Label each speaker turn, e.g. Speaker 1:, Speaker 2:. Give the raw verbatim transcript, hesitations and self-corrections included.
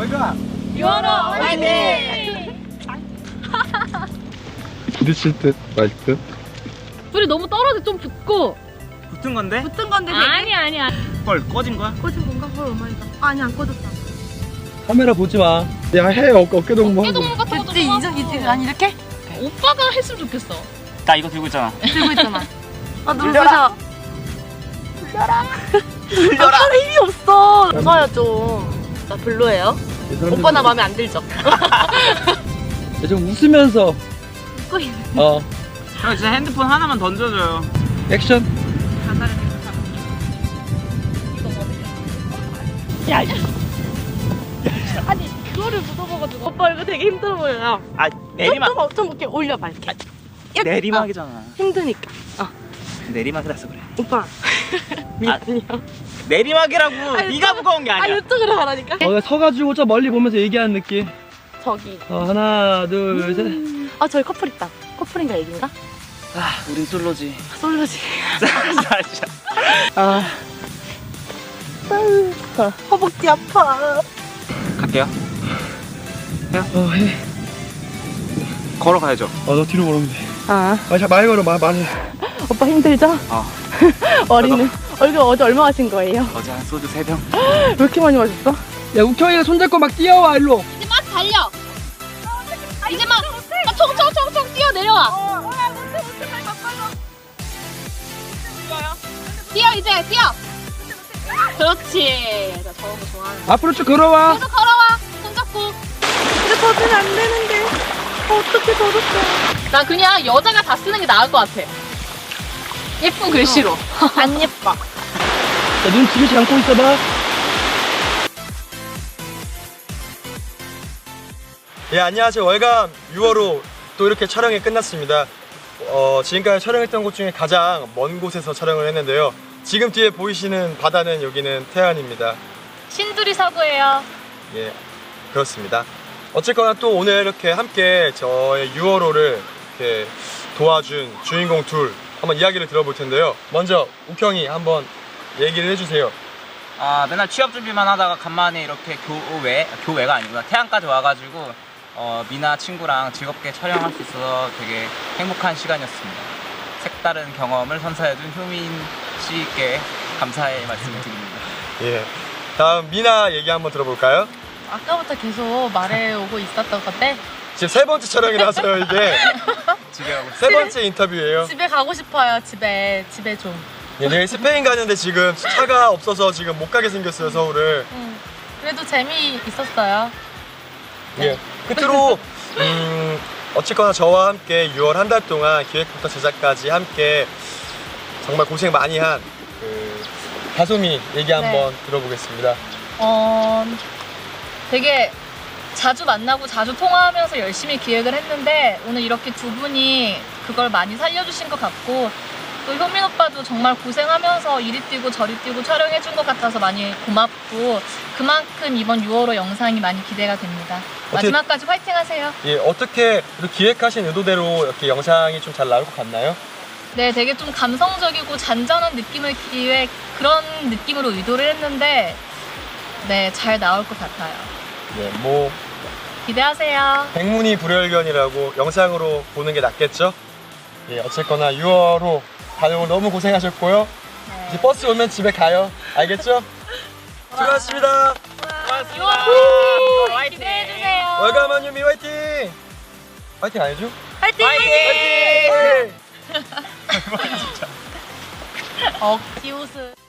Speaker 1: 월가
Speaker 2: 유월호 화이팅!
Speaker 1: 부딪힐 듯 말 듯.
Speaker 2: 둘이 너무 떨어져 좀 붙고.
Speaker 3: 붙은 건데?
Speaker 2: 붙은 건데 아니 아니야.
Speaker 3: 헐 꺼진 거야?
Speaker 2: 꺼진 건가? 헐 오마이갓. 아니 안 꺼졌다.
Speaker 1: 카메라 보지 마. 야 해. 어깨 어깨 동무 하고.
Speaker 2: 어깨동무 같은 것도 좀 하고. 이제 아니 이렇게? 오빠가 했으면 좋겠어.
Speaker 3: 나 이거 들고 있잖아.
Speaker 2: 들고 있잖아. 아 누구셔?
Speaker 3: 들려라.
Speaker 2: 아빠는 힘이 없어. 웃어요 좀. 나 별로예요. 오빠 나 마음에 안 들죠?
Speaker 1: 좀 웃으면서.
Speaker 2: 웃고 있는.
Speaker 1: 어.
Speaker 3: 형 진짜 핸드폰 하나만 던져줘요.
Speaker 1: 액션.
Speaker 2: 가사를 생각하고. 이거 뭐? 야, 야. 아니 그거를 묻어먹어가지고. 오빠 이거 되게 힘들어 보여요.
Speaker 3: 아 내리막.
Speaker 2: 좀, 좀 이렇게 올려봐 이렇게. 이렇게.
Speaker 3: 내리막이잖아.
Speaker 2: 어, 힘드니까. 어.
Speaker 3: 내리막이라서 그래.
Speaker 2: 오빠. 미안해요.
Speaker 3: 내리막이라고.
Speaker 2: 아니,
Speaker 3: 네가 무거운 게
Speaker 2: 아
Speaker 3: 아니야.
Speaker 2: 이쪽으로 가라니까.
Speaker 1: 어, 서가지고 저 멀리 보면서 얘기하는 느낌.
Speaker 2: 저기.
Speaker 1: 어, 하나, 둘, 셋.
Speaker 2: 아 저기 커플 있다. 커플인가 얘긴가?
Speaker 3: 아 우린 솔로지.
Speaker 2: 솔로지.
Speaker 3: 진짜.
Speaker 1: 아.
Speaker 2: 허벅지 아파.
Speaker 3: 갈게요.
Speaker 1: 어, 해.
Speaker 3: 걸어가야죠.
Speaker 1: 어, 너 뒤로 걸으면 돼.
Speaker 2: 아
Speaker 1: 아, 자, 많이 걸어, 마, 많이.
Speaker 2: 오빠 힘들죠?
Speaker 3: 어.
Speaker 2: 어린은 얼굴 어제 얼마 마신 거예요?
Speaker 3: 어제 한 소주 세 병.
Speaker 2: 왜 이렇게 많이 마셨어?
Speaker 1: 야, 우경이가 손잡고 막 뛰어와, 일로.
Speaker 2: 이제 막 달려. 이제 막 총총총총 뛰어 내려와. 뛰어 이제 뛰어. 그렇지. 나 저런 거 좋아하는.
Speaker 1: 앞으로 쭉 걸어와.
Speaker 2: 계속 걸어와. 손잡고. 근데 젖으면 안 되는데. 어떻게 젖었어? 나 그냥 여자가 다 쓰는 게 나을 것 같아. 예쁜 글씨로. 안 예뻐.
Speaker 1: 자, 눈 지그시 감고 있어봐.
Speaker 4: 예, 안녕하세요. 월감 유월호 또 이렇게 촬영이 끝났습니다. 어, 지금까지 촬영했던 곳 중에 가장 먼 곳에서 촬영을 했는데요. 지금 뒤에 보이시는 바다는 여기는 태안입니다.
Speaker 2: 신두리 사고예요.
Speaker 4: 예, 그렇습니다. 어쨌거나 또 오늘 이렇게 함께 저의 유월호를 이렇게 도와준 주인공 둘 한번 이야기를 들어볼 텐데요. 먼저 우경이 한번 얘기를 해주세요.
Speaker 3: 아 맨날 취업 준비만 하다가 간만에 이렇게 교외 교외가 아니구나 태안까지 와가지고 어, 미나 친구랑 즐겁게 촬영할 수 있어서 되게 행복한 시간이었습니다. 색다른 경험을 선사해준 효민 씨께 감사의 말씀을 드립니다.
Speaker 4: 예, 다음 미나 얘기 한번 들어볼까요?
Speaker 2: 아까부터 계속 말해오고 있었던 건데
Speaker 4: 지금 세 번째 촬영이라서요, 이게.
Speaker 3: 집에 가고
Speaker 4: 세 번째 인터뷰예요.
Speaker 2: 집에 가고 싶어요. 집에 집에 좀.
Speaker 4: 예, 내일 스페인 가는데 지금 차가 없어서 지금 못 가게 생겼어요, 서울을.
Speaker 2: 응. 그래도 재미 있었어요.
Speaker 4: 예. 끝으로 음, 어쨌거나 저와 함께 유월 한 달 동안 기획부터 제작까지 함께 정말 고생 많이 한 그 다솜이 얘기 한번 들어보겠습니다.
Speaker 2: 어, 되게 자주 만나고 자주 통화하면서 열심히 기획을 했는데 오늘 이렇게 두 분이 그걸 많이 살려주신 것 같고 또 효민 오빠도 정말 고생하면서 이리 뛰고 저리 뛰고 촬영해준 것 같아서 많이 고맙고 그만큼 이번 유월호 영상이 많이 기대가 됩니다. 마지막까지 화이팅 하세요.
Speaker 4: 예, 어떻게 기획하신 의도대로 이렇게 영상이 좀 잘 나올 것 같나요?
Speaker 2: 네, 되게 좀 감성적이고 잔잔한 느낌을 기획 그런 느낌으로 의도를 했는데 네, 잘 나올 것 같아요.
Speaker 4: 네, 뭐
Speaker 2: 기대하세요.
Speaker 4: 백문이 불여일견이라고 영상으로 보는 게 낫겠죠? 예, 어쨌거나 유월호 다들 오늘 너무 고생하셨고요.
Speaker 2: 네.
Speaker 4: 이제 버스 오면 집에 가요. 알겠죠? 수고하셨습니다.
Speaker 2: 유월호 화이팅! 기대해주세요.
Speaker 4: 월감한 유미 화이팅! 화이팅 안 해줘?
Speaker 2: 화이팅!
Speaker 4: 화이팅!
Speaker 2: 억지 웃음.